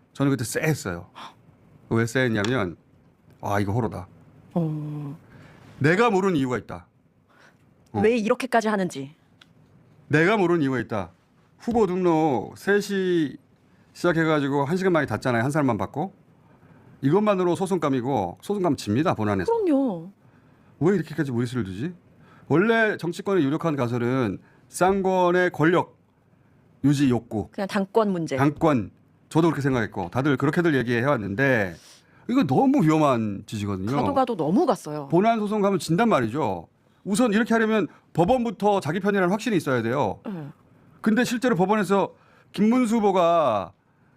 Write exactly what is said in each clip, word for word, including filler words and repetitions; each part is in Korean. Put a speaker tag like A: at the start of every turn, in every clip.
A: 저는 그때 쎄했어요. 왜 쎄했냐면 아 이거 호로다.
B: 어...
A: 내가 모르는 이유가 있다. 어.
B: 왜 이렇게까지 하는지.
A: 내가 모르는 이유가 있다. 후보 등록 세 시 시작해가지고 한 시간 만에 닫잖아요. 한 사람만 받고. 이것만으로 소송감이고 소송감 집니다. 본안에서.
B: 그럼요.
A: 왜 이렇게까지 무리수를 두지? 원래 정치권의 유력한 가설은 쌍권의 권력 유지 욕구.
B: 그냥 당권 문제.
A: 당권. 저도 그렇게 생각했고 다들 그렇게들 얘기해왔는데 이거 너무 위험한 짓이거든요.
B: 가도 가도 너무 갔어요.
A: 본안 소송 가면 진단 말이죠. 우선 이렇게 하려면 법원부터 자기 편이라는 확신이 있어야 돼요.
B: 네.
A: 근데 실제로 법원에서 김문수 후보가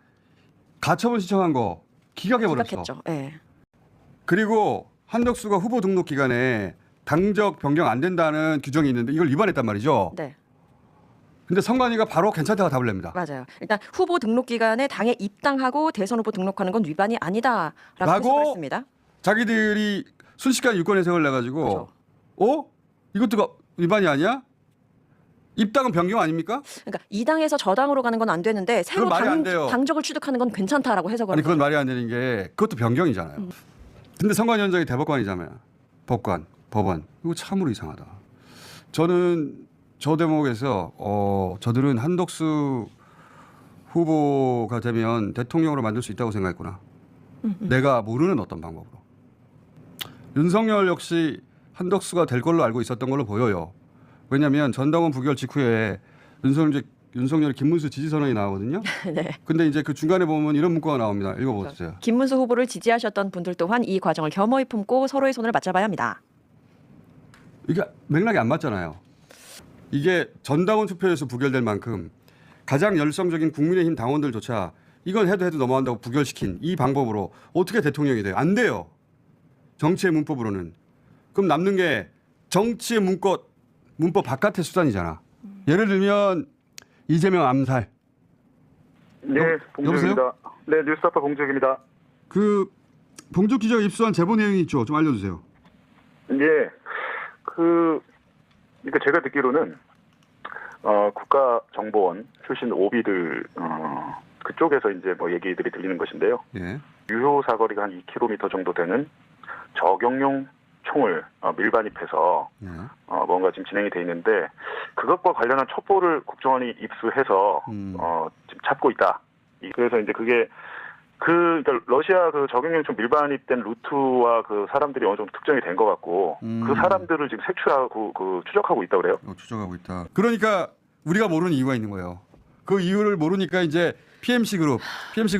A: 가처분 신청한 거 기각해버렸어.
B: 기각했죠. 네.
A: 그리고 한덕수가 후보 등록 기간에 당적 변경 안 된다는 규정이 있는데 이걸 위반했단 말이죠.
B: 네.
A: 근데 선관위가 바로 괜찮다고 답을 냅니다.
B: 맞아요. 일단 후보 등록 기간에 당에 입당하고 대선 후보 등록하는 건 위반이 아니다라고 해석을 했습니다.
A: 자기들이 순식간에 유권 해석을 내가지고
B: 그렇죠.
A: 어? 이것도 위반이 아니야? 입당은 변경 아닙니까?
B: 그러니까 이 당에서 저 당으로 가는 건 안 되는데 새로
A: 그건 말이 안
B: 당,
A: 돼요.
B: 당적을 취득하는 건 괜찮다라고 해석을
A: 아니 그건
B: 하죠.
A: 말이 안 되는 게 그것도 변경이잖아요.
B: 음.
A: 근데 선관위원장이 대법관이잖아요. 법관, 법원. 이거 참으로 이상하다. 저는 저 대목에서 어, 저들은 한덕수 후보가 되면 대통령으로 만들 수 있다고 생각했구나.
B: 음, 음.
A: 내가 모르는 어떤 방법으로. 윤석열 역시 한덕수가 될 걸로 알고 있었던 걸로 보여요. 왜냐하면 전당원 부결 직후에 윤석열, 윤석열 김문수 지지선언이 나오거든요.
B: 네.
A: 근데 이제 그 중간에 보면 이런 문구가 나옵니다. 읽어보세요.
B: 김문수 후보를 지지하셨던 분들 또한 이 과정을 겸허히 품고 서로의 손을 맞잡아야 합니다.
A: 이게 맥락이 안 맞잖아요. 이게 전당원 투표에서 부결될 만큼 가장 열성적인 국민의힘 당원들조차 이건 해도 해도 넘어간다고 부결시킨 이 방법으로 어떻게 대통령이 돼요? 안 돼요. 정치의 문법으로는. 그럼 남는 게 정치의 문법, 문법 바깥의 수단이잖아. 예를 들면 이재명 암살.
C: 네, 봉주입니다. 네, 뉴스타파 봉주입니다.
A: 그 봉주 기자가 입수한 제보 내용이 있죠. 좀 알려주세요.
C: 예, 그 그러니까 제가 듣기로는 어, 국가정보원 출신 오비들 어, 그쪽에서 이제 뭐 얘기들이 들리는 것인데요.
A: 예.
C: 유효 사거리가 한 이 킬로미터 정도 되는 저격용 총을 어, 밀반입해서
A: 예.
C: 어, 뭔가 지금 진행이 돼 있는데 그것과 관련한 첩보를 국정원이 입수해서
A: 음.
C: 어, 지금 찾고 있다. 이- 그래서 이제 그게 그 그러니까 러시아 그 적용용 총 밀반입된 루트와 그 사람들이 어느 정도 특정이 된 것 같고
A: 음.
C: 그 사람들을 지금 색출하고 그 추적하고 있다 그래요.
A: 어, 추적하고 있다. 그러니까 우리가 모르는 이유가 있는 거예요. 그 이유를 모르니까 이제 피엠씨 그룹, 피엠씨